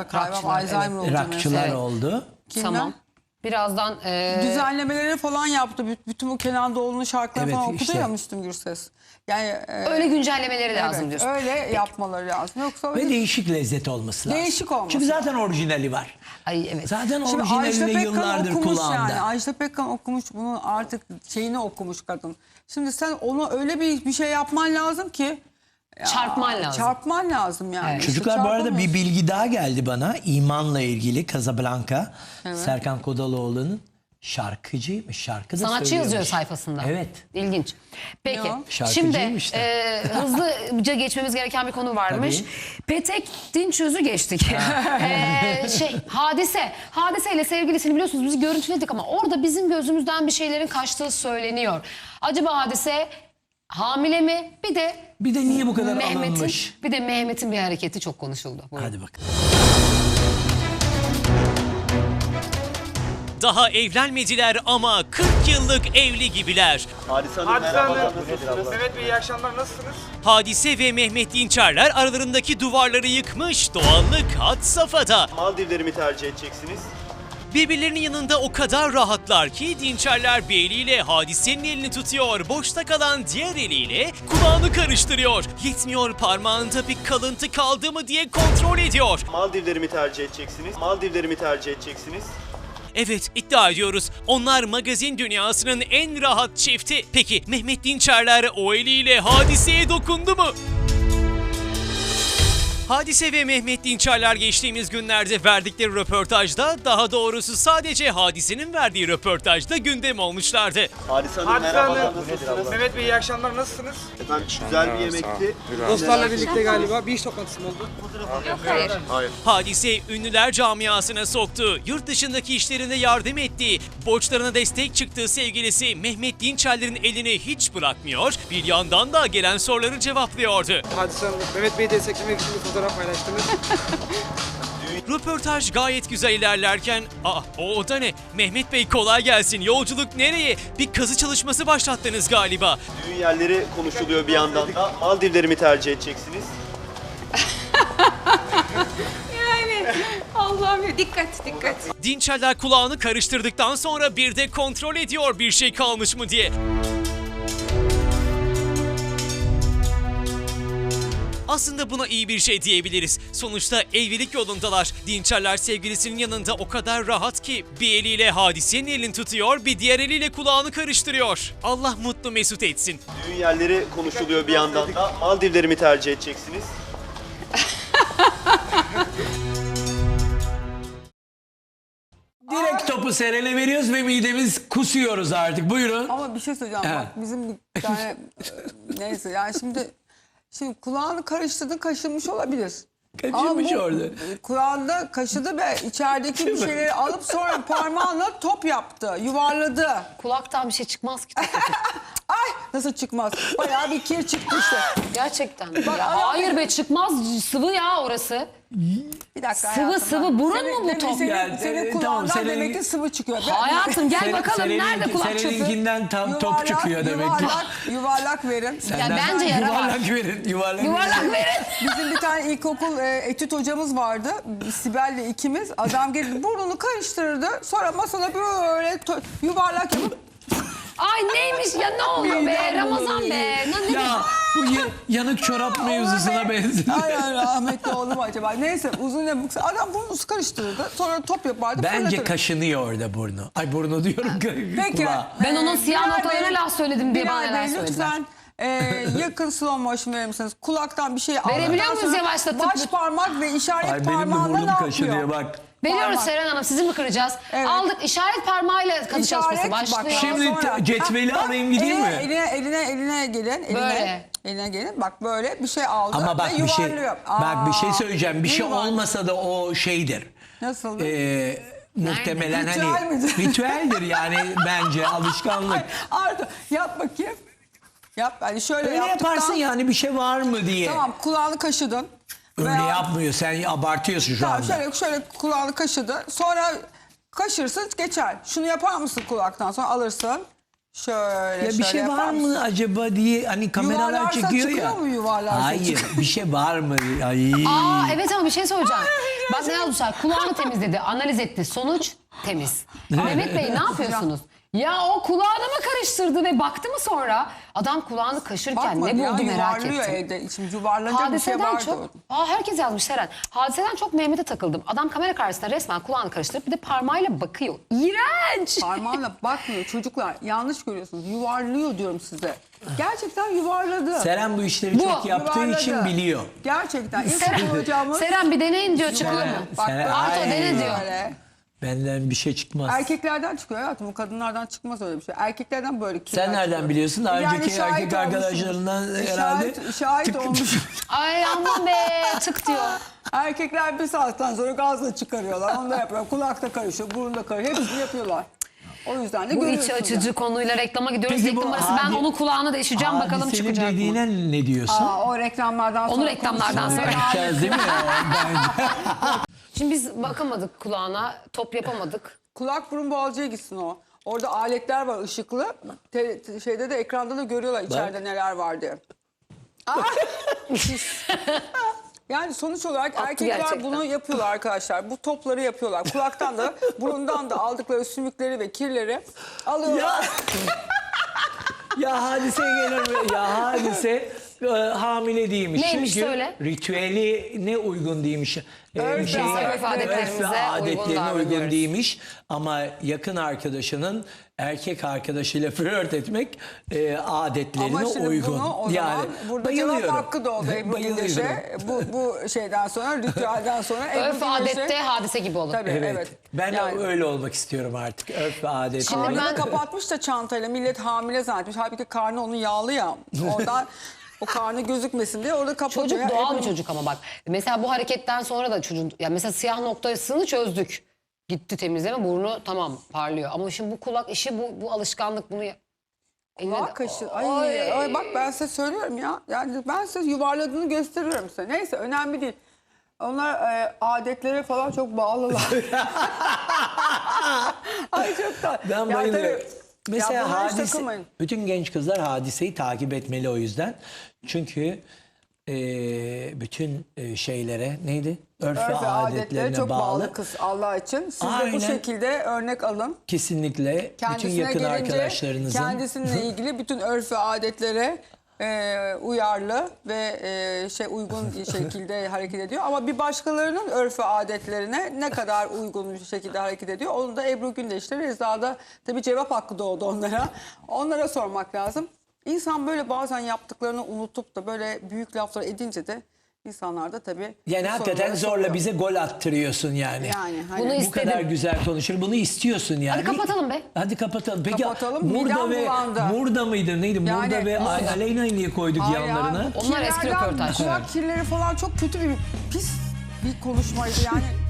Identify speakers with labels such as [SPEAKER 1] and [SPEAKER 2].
[SPEAKER 1] da kaybım.
[SPEAKER 2] Rockçılar,
[SPEAKER 1] Alzheimer
[SPEAKER 2] evet.
[SPEAKER 1] olacağım.
[SPEAKER 3] Rockçılar
[SPEAKER 2] Evet.
[SPEAKER 3] oldu.
[SPEAKER 1] Kimler?
[SPEAKER 2] Tamam. Birazdan
[SPEAKER 1] Düzenlemeleri falan yaptı. Bütün bu Kenan Doğulu'nun şarkıları
[SPEAKER 3] Evet,
[SPEAKER 1] falan okudu
[SPEAKER 3] işte.
[SPEAKER 1] ya Müslüm Gürses. Yani
[SPEAKER 2] öyle güncellemeleri lazım
[SPEAKER 1] evet,
[SPEAKER 2] diyorsun.
[SPEAKER 1] öyle yapmaları lazım. Yoksa
[SPEAKER 3] Ve değişik lezzet olması lazım.
[SPEAKER 1] Değişik olması
[SPEAKER 3] Çünkü zaten orijinali var.
[SPEAKER 2] Ay evet.
[SPEAKER 1] Şimdi
[SPEAKER 3] Zaten
[SPEAKER 1] Ajda
[SPEAKER 3] orijinali de
[SPEAKER 1] Pekkan
[SPEAKER 3] yıllardır
[SPEAKER 1] okumuş
[SPEAKER 3] kulağımda.
[SPEAKER 1] yani. Ajda Pekkan okumuş, bunun artık şeyini okumuş kadın. Şimdi sen ona öyle bir şey yapman lazım ki.
[SPEAKER 2] Çarpman lazım.
[SPEAKER 1] Çarpman lazım yani.
[SPEAKER 2] Evet.
[SPEAKER 1] İşte
[SPEAKER 3] Çocuklar bu arada bir
[SPEAKER 1] çarpamıyorsun.
[SPEAKER 3] bilgi daha geldi bana. İmanla ilgili Casablanca. Serkan Kodaloğlu'nun şarkıcıymış. Şarkı da
[SPEAKER 2] Sanatçı
[SPEAKER 3] söylüyormuş.
[SPEAKER 2] yazıyor sayfasında.
[SPEAKER 3] Evet.
[SPEAKER 2] İlginç. Peki
[SPEAKER 1] Ya.
[SPEAKER 3] Şarkıcıyım
[SPEAKER 2] şimdi
[SPEAKER 3] işte.
[SPEAKER 2] hızlıca geçmemiz gereken bir konu varmış.
[SPEAKER 3] Tabii.
[SPEAKER 2] Petek Dinçöz'ü geçtik. Hadise. Hadise ile sevgilisini biliyorsunuz biz görüntüledik ama orada bizim gözümüzden bir şeylerin kaçtığı söyleniyor. Acaba Hadise hamile mi?
[SPEAKER 3] Bir de niye bu kadar alınmış?
[SPEAKER 2] Bir de Mehmet'in bir hareketi çok konuşuldu. Buyurun.
[SPEAKER 3] Hadi bakalım.
[SPEAKER 4] Daha evlenmediler ama 40 yıllık evli gibiler.
[SPEAKER 5] Hadise Hanım,
[SPEAKER 6] Hadise
[SPEAKER 5] merhabalar,
[SPEAKER 6] Hanım,
[SPEAKER 5] nasılsınız?
[SPEAKER 6] Mehmet Bey iyi akşamlar, nasılsınız?
[SPEAKER 4] Hadise ve Mehmet Dinçerler aralarındaki duvarları yıkmış, doğallık had safhada.
[SPEAKER 5] Maldivleri mi tercih edeceksiniz?
[SPEAKER 4] Birbirlerinin yanında o kadar rahatlar ki Dinçerler bir eliyle Hadise'nin elini tutuyor, boşta kalan diğer eliyle kulağını karıştırıyor. Yetmiyor, parmağında bir kalıntı kaldı mı diye kontrol ediyor.
[SPEAKER 5] Maldivleri mi tercih edeceksiniz? Maldivleri mi tercih edeceksiniz?
[SPEAKER 4] Evet, iddia ediyoruz. Onlar magazin dünyasının en rahat çifti. Peki Mehmet Dinçerler o eliyle Hadise'ye dokundu mu? Hadise ve Mehmet Dinçerler geçtiğimiz günlerde verdikleri röportajda, daha doğrusu sadece Hadise'nin verdiği röportajda gündem olmuşlardı.
[SPEAKER 5] Hadise Hanım,
[SPEAKER 6] Hadise
[SPEAKER 5] merhabalar,
[SPEAKER 6] Hanım,
[SPEAKER 5] nasılsınız?
[SPEAKER 6] Mehmet Bey iyi akşamlar, nasılsınız?
[SPEAKER 5] Efendim güzel bir yemekti.
[SPEAKER 6] Dostlarla birlikte galiba bir iş toplantısı mı oldu?
[SPEAKER 4] Hadise ünlüler camiasına soktu, yurt dışındaki işlerinde yardım etti, borçlarına destek çıktığı sevgilisi Mehmet Dinçerler'in elini hiç bırakmıyor, bir yandan da gelen soruları cevaplıyordu.
[SPEAKER 6] Hadise Hanım, Mehmet Bey'i desteklemek için bir fotoğraf paylaştınız.
[SPEAKER 4] Röportaj gayet güzel ilerlerken, o da ne? Mehmet Bey kolay gelsin, yolculuk nereye? Bir kazı çalışması başlattınız galiba.
[SPEAKER 5] Düğün yerleri konuşuluyor bir yandan da. Maldivleri mi tercih edeceksiniz?
[SPEAKER 7] Allah'ım ya, dikkat.
[SPEAKER 4] Dinçerler kulağını karıştırdıktan sonra bir de kontrol ediyor bir şey kalmış mı diye. Aslında buna iyi bir şey diyebiliriz. Sonuçta evlilik yolundalar. Dinçerler sevgilisinin yanında o kadar rahat ki bir eliyle Hadise'nin elini tutuyor, bir diğer eliyle kulağını karıştırıyor. Allah mutlu mesut etsin.
[SPEAKER 5] Düğün yerleri konuşuluyor bir yandan da. Maldivleri mi tercih edeceksiniz?
[SPEAKER 3] Direkt topu Seren'e veriyoruz ve midemiz kusuyoruz artık. Buyurun.
[SPEAKER 1] Ama bir şey söyleyeceğim
[SPEAKER 3] Evet.
[SPEAKER 1] bak, bizim bir tane neyse yani şimdi kulağını karıştırdın, kaşınmış olabilir.
[SPEAKER 3] Kaçırmış
[SPEAKER 1] Ama bu
[SPEAKER 3] orada.
[SPEAKER 1] kulağında kaşıdı ve içerideki bir şeyleri alıp sonra parmağınla top yaptı, yuvarladı.
[SPEAKER 2] Kulaktan bir şey çıkmaz ki.
[SPEAKER 1] Ay nasıl çıkmaz? Bayağı bir kir çıktı işte.
[SPEAKER 2] Gerçekten. Ya, hayır be, çıkmaz, sıvı ya orası.
[SPEAKER 1] Bir dakika
[SPEAKER 2] Sıvı
[SPEAKER 1] hayatım,
[SPEAKER 2] sıvı,
[SPEAKER 1] bak.
[SPEAKER 2] burun mu bu top?
[SPEAKER 3] Yani,
[SPEAKER 1] Senin
[SPEAKER 3] tamam,
[SPEAKER 1] kulağından
[SPEAKER 3] senin-
[SPEAKER 1] demek ki sıvı çıkıyor.
[SPEAKER 2] Hayatım gel bakalım nerede kulak çöpü?
[SPEAKER 3] Seninkinden tam top çıkıyor demek ki.
[SPEAKER 1] Yuvarlak verin.
[SPEAKER 2] Ya bence yara var.
[SPEAKER 3] Yuvarlak verin.
[SPEAKER 2] Yuvarlak verin.
[SPEAKER 1] Bizim bir tane ilkokul etüt hocamız vardı. Sibel'le ikimiz. Adam geldi burnunu karıştırırdı. Sonra masada böyle yuvarlak yapıp
[SPEAKER 2] Ay neymiş ya, ne oluyor be Ramazan be. Ne
[SPEAKER 3] Ya bu yanık çorap mevzusuna benziyor.
[SPEAKER 1] Ay rahmetli oldu mu acaba? Neyse uzun ya kısa. Adam burnunu karıştırırdı. Sonra top yapardı.
[SPEAKER 3] Bence
[SPEAKER 1] fırlatırdı.
[SPEAKER 3] kaşınıyor orada burnu. Ay burnu diyorum.
[SPEAKER 1] Peki.
[SPEAKER 3] Kulağı.
[SPEAKER 2] Ben onun siyah
[SPEAKER 1] Bilal
[SPEAKER 2] noktalarına
[SPEAKER 1] Bey,
[SPEAKER 2] laf söyledim diye bana
[SPEAKER 1] Bilal
[SPEAKER 2] neler
[SPEAKER 1] Bey,
[SPEAKER 2] söylediler.
[SPEAKER 1] lütfen yakın slow motion verir misiniz? Kulaktan bir şey aldıktan
[SPEAKER 2] Verebiliyor muyuz
[SPEAKER 1] sonra
[SPEAKER 2] yavaşlatıp?
[SPEAKER 1] baş parmak ve işaret
[SPEAKER 3] Ay benim de
[SPEAKER 1] parmağıyla ne
[SPEAKER 3] burnum
[SPEAKER 1] yapıyor?
[SPEAKER 3] kaşınıyor bak.
[SPEAKER 2] Veriyoruz
[SPEAKER 1] Parmak.
[SPEAKER 2] Seren Hanım, sizi mi kıracağız?
[SPEAKER 1] Evet.
[SPEAKER 2] Aldık, işaret parmağıyla kazı çalışması başlıyor.
[SPEAKER 1] bak,
[SPEAKER 3] Şimdi
[SPEAKER 1] sonra-
[SPEAKER 3] cetveli
[SPEAKER 1] Bak,
[SPEAKER 3] alayım gideyim mi?
[SPEAKER 1] Eline gelin.
[SPEAKER 2] Böyle.
[SPEAKER 1] Eline gelin. Bak böyle bir şey aldı
[SPEAKER 3] Ama bak
[SPEAKER 1] ve
[SPEAKER 3] bir şey
[SPEAKER 1] yuvarlıyor.
[SPEAKER 3] bak bir şey söyleyeceğim. Bir şey
[SPEAKER 1] yuvarlıyor.
[SPEAKER 3] olmasa da o şeydir.
[SPEAKER 1] Nasıl?
[SPEAKER 3] Muhtemelen
[SPEAKER 1] Ritüel
[SPEAKER 3] hani
[SPEAKER 1] midir?
[SPEAKER 3] ritüeldir yani bence alışkanlık.
[SPEAKER 1] Arda yap bakayım. Yap. Hani şöyle
[SPEAKER 3] Öyle
[SPEAKER 1] yaptıktan...
[SPEAKER 3] yaparsın yani bir şey var mı diye.
[SPEAKER 1] Tamam, kulağını kaşıdın.
[SPEAKER 3] Öyle
[SPEAKER 1] Veya-
[SPEAKER 3] yapmıyor, sen abartıyorsun şu
[SPEAKER 1] Tamam,
[SPEAKER 3] anda.
[SPEAKER 1] şöyle kulağını kaşıdı. Sonra kaşırsın geçer. Şunu yapar mısın kulaktan sonra alırsın. Şöyle
[SPEAKER 3] Ya bir
[SPEAKER 1] şöyle
[SPEAKER 3] şey
[SPEAKER 1] yapar
[SPEAKER 3] var
[SPEAKER 1] mısın?
[SPEAKER 3] mı acaba diye hani kameralar
[SPEAKER 1] Yuvarlarsa
[SPEAKER 3] çekiyor
[SPEAKER 1] çıkıyor
[SPEAKER 3] ya.
[SPEAKER 1] mu yuvarlarsa
[SPEAKER 3] Hayır,
[SPEAKER 1] çıkıyor?
[SPEAKER 3] bir şey var mı? Ay.
[SPEAKER 2] Aa evet ama bir şey söyleyeceğim. Bak ne Tuğsel kulağını temizledi, analiz etti. Sonuç temiz. Mehmet Bey ne yapıyorsunuz? Ya o kulağını mı karıştırdı ve baktı mı sonra? Adam kulağını kaşırken
[SPEAKER 1] Bakmadı
[SPEAKER 2] ne
[SPEAKER 1] ya,
[SPEAKER 2] buldu merak
[SPEAKER 1] yuvarlıyor
[SPEAKER 2] ettim.
[SPEAKER 1] evde. Şimdi yuvarlanacak bir şey
[SPEAKER 2] Hadiseden
[SPEAKER 1] vardı.
[SPEAKER 2] çok... herkes yazmış Seren. Hadiseden çok Mehmet'e takıldım. Adam kamera karşısında resmen kulağını karıştırıp bir de parmağıyla bakıyor. İğrenç.
[SPEAKER 1] Parmağıyla bakmıyor çocuklar. Yanlış görüyorsunuz. Yuvarlıyor diyorum size. Gerçekten yuvarladı.
[SPEAKER 3] Seren bu işleri çok yaptığı
[SPEAKER 1] Yuvarladı.
[SPEAKER 3] için biliyor.
[SPEAKER 1] Gerçekten. İlk
[SPEAKER 2] Seren,
[SPEAKER 1] hocamız
[SPEAKER 2] Seren bir deneyin diyor, çıkıyor mu?
[SPEAKER 1] Bak,
[SPEAKER 3] Seren-
[SPEAKER 2] Arto
[SPEAKER 3] Ay.
[SPEAKER 2] dene diyor.
[SPEAKER 1] böyle.
[SPEAKER 3] Benden bir şey çıkmaz.
[SPEAKER 1] Erkeklerden çıkıyor hayatım. O kadınlardan çıkmaz öyle bir şey. Erkeklerden böyle kirler
[SPEAKER 3] Sen nereden
[SPEAKER 1] çıkıyor.
[SPEAKER 3] biliyorsun? Daha
[SPEAKER 1] Yani
[SPEAKER 3] önceki
[SPEAKER 1] şahit
[SPEAKER 3] erkek
[SPEAKER 1] olmuşsunuz.
[SPEAKER 3] arkadaşlarından herhalde
[SPEAKER 1] Şahit olmuş.
[SPEAKER 2] Ay aman be, tık diyor.
[SPEAKER 1] Erkekler bir saatten sonra gazla çıkarıyorlar. Onu da yapıyorlar. Kulakta karışıyor, burunda karışıyor. Hepsini yapıyorlar. O yüzden de
[SPEAKER 2] Bu iç
[SPEAKER 1] görüyorsunuz.
[SPEAKER 2] açıcı konuyla reklama gidiyoruz.
[SPEAKER 3] Peki bu
[SPEAKER 2] Reklam arası ben
[SPEAKER 3] hadi-
[SPEAKER 2] onun kulağını deşeceğim, bakalım
[SPEAKER 3] Hadisenin
[SPEAKER 2] çıkacak mı?
[SPEAKER 3] dediğine ne diyorsun?
[SPEAKER 1] O reklamlardan sonra
[SPEAKER 2] Onu reklamlardan
[SPEAKER 1] konuşuruz.
[SPEAKER 2] sonra.
[SPEAKER 3] Bakacağız değil mi? Bence.
[SPEAKER 2] Şimdi biz bakamadık kulağına, top yapamadık.
[SPEAKER 1] Kulak burun boğazcıya gitsin o. Orada aletler var ışıklı. Şeyde de ekranda da görüyorlar içeride neler var diye. Yani sonuç olarak
[SPEAKER 2] Attı
[SPEAKER 1] erkekler
[SPEAKER 2] gerçekten.
[SPEAKER 1] bunu yapıyorlar arkadaşlar. Bu topları yapıyorlar. Kulaktan da burundan da aldıkları sümükleri ve kirleri alıyorlar.
[SPEAKER 3] Ya hadise gelir. Ya hadise hamile değilmiş.
[SPEAKER 2] Neymiş
[SPEAKER 3] Çünkü
[SPEAKER 2] söyle?
[SPEAKER 3] ritüeli ne uygun değilmiş.
[SPEAKER 1] Örf ve
[SPEAKER 2] örf adetlerimize uygun davranıyoruz.
[SPEAKER 3] değilmiş. Ama yakın arkadaşının erkek arkadaşıyla flört etmek adetlerine
[SPEAKER 1] Ama şimdi
[SPEAKER 3] uygun.
[SPEAKER 1] bunu o zaman burada cevap hakkı doğdu Ebru Gündeş'e. Bu şeyden sonra, ritüelden sonra Ebru
[SPEAKER 2] Örf
[SPEAKER 1] Gündeş'e.
[SPEAKER 2] adette hadise gibi olur.
[SPEAKER 1] Tabii
[SPEAKER 3] Evet.
[SPEAKER 1] evet.
[SPEAKER 3] Ben
[SPEAKER 1] Yani-
[SPEAKER 3] öyle olmak istiyorum artık. Örf ve adetleri.
[SPEAKER 2] Şimdi
[SPEAKER 1] Karnını
[SPEAKER 2] ben-
[SPEAKER 1] kapatmış da çantayla millet hamile zannetmiş. Halbuki karnı onun yağlı ya. Oradan o karnı gözükmesin diye orada kapatıyor.
[SPEAKER 2] Çocuk doğal bir
[SPEAKER 1] Ebru-
[SPEAKER 2] çocuk ama bak. Mesela bu hareketten sonra da çocuğun... Ya mesela siyah noktasını çözdük. Gitti temizleme, burnu tamam parlıyor. Ama şimdi bu kulak işi, bu alışkanlık bunu...
[SPEAKER 1] Kulak kaşı. Ay, bak ben size söylüyorum ya. Yani ben size yuvarladığını gösteriyorum size. Neyse önemli değil. Onlar adetlere falan çok bağlılar. Ay çok da.
[SPEAKER 3] Ben
[SPEAKER 1] Ya
[SPEAKER 3] bayılıyorum.
[SPEAKER 1] tabii,
[SPEAKER 3] Mesela
[SPEAKER 1] ya bunlara hiç
[SPEAKER 3] hadise,
[SPEAKER 1] takılmayın.
[SPEAKER 3] bütün genç kızlar hadiseyi takip etmeli o yüzden. Çünkü bütün şeylere neydi? Örf ve
[SPEAKER 1] Örf ve adetlere
[SPEAKER 3] adetlerine
[SPEAKER 1] çok bağlı
[SPEAKER 3] bağlı.
[SPEAKER 1] kız Allah için. Siz de
[SPEAKER 3] Aynen.
[SPEAKER 1] bu şekilde örnek alın.
[SPEAKER 3] Kesinlikle bütün
[SPEAKER 1] Kendisine
[SPEAKER 3] yakın
[SPEAKER 1] gelince
[SPEAKER 3] arkadaşlarınızın.
[SPEAKER 1] kendisiyle ilgili bütün örf ve adetlere uyarlı ve uygun şekilde hareket ediyor. Ama bir başkalarının örf ve adetlerine ne kadar uygun bir şekilde hareket ediyor. Onu da Ebru Gündeş'te Reza'da tabii cevap hakkı doğdu onlara. Onlara sormak lazım. İnsan böyle bazen yaptıklarını unutup da böyle büyük laflar edince de insanlar da tabii
[SPEAKER 3] Yani
[SPEAKER 1] bu
[SPEAKER 3] hakikaten
[SPEAKER 1] soruları
[SPEAKER 3] zorla
[SPEAKER 1] soruyor.
[SPEAKER 3] bize gol attırıyorsun yani.
[SPEAKER 1] Yani hani
[SPEAKER 2] Bunu
[SPEAKER 3] Bu
[SPEAKER 2] istedim.
[SPEAKER 3] kadar güzel konuşur. Bunu istiyorsun yani.
[SPEAKER 2] Hadi kapatalım be.
[SPEAKER 3] Hadi kapatalım. Peki
[SPEAKER 1] Kapatalım,
[SPEAKER 3] Murda
[SPEAKER 1] midem
[SPEAKER 3] ve
[SPEAKER 1] bulandı.
[SPEAKER 3] Murda mıydı? Neydi?
[SPEAKER 1] Yani
[SPEAKER 3] Murda ve
[SPEAKER 1] Murda.
[SPEAKER 3] Aleyna'yı niye koyduk
[SPEAKER 1] Hayır
[SPEAKER 3] yanlarına?
[SPEAKER 1] ya,
[SPEAKER 2] Onlar eski
[SPEAKER 1] kirlerden,
[SPEAKER 2] röportaj.
[SPEAKER 1] Kulak kirleri falan çok kötü bir pis bir konuşmaydı yani.